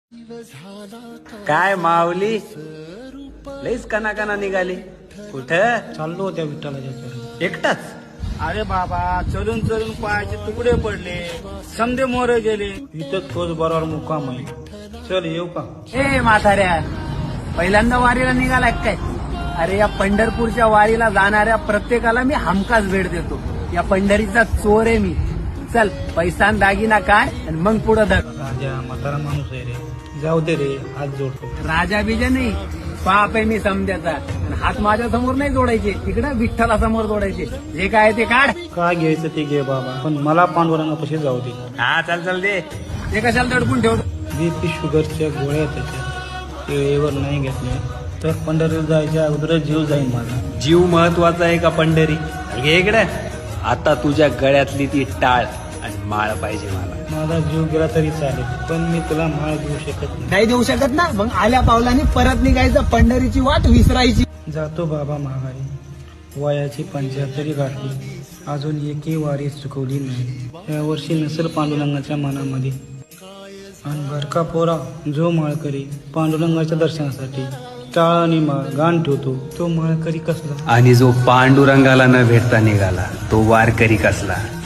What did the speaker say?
काय माऊली लईच कना निघाली कुठं चाललो होत्या विठ्ठलाच्या चरणी. एकटाच? अरे बाबा, चलून चलून पायाचे तुकडे पडले, समधे मोरे गेले. इथंच तोच बरोबर मुक्काम आहे. चल येऊ का? ए म्हाताऱ्या, पहिल्यांदा वारीला निघालाय काय? अरे या पंढरपूरच्या वारीला जाणाऱ्या प्रत्येकाला मी हमखास भेट देतो. या पंढरीचा चोर आहे मी. चल, पैसा आणि दागिना काय आणि मग पुढं धर. राजा म्हातारा माणूस आहे रे, जाऊ दे रे, हात जोडतो. राजा बिजा नाही, पाप आहे मी समजायचा. आणि हात माझ्या समोर नाही जोडायचे, तिकडे विठ्ठला समोर जोडायचे. जे काय ते काढ. काय घ्यायचं ते घे बाबा, पण मला पांडुरंगापाशी जाऊ दे. हा चल दे. ते कशाला दडपून ठेवतो? बीपी शुगरच्या गोळ्या त्याच्या वेळेवर नाही घेतल्या तर पंढरीला जायच्या अगोदर जीव जाईल माझा. जीव महत्वाचा आहे का पंढरी? घे इकडे. आता तुझ्या गळ्यातली ती टाळ आणि माळ पाहिजे मला. माझा जीव गेला तरी चालेल, पण मी तुला माळ देऊ शकत नाही. नाही देऊ शकत ना, मग आल्या पावलांनी परत निघायचं, पंढरीची वाट विसरायची. जातो बाबा माघारी. वयाची 75 गाठली, अजून एकही वारी चुकवली नाही. या वर्षी नसेल पांडुरंगाच्या मनामध्ये. आणि बरका पोरा, जो माळकरी पांडुरंगाच्या दर्शनासाठी टाळ आणि गाण ठेवतो तो माळकरी कसला? आणि जो पांडुरंगाला न भेटता निघाला तो वारकरी कसला?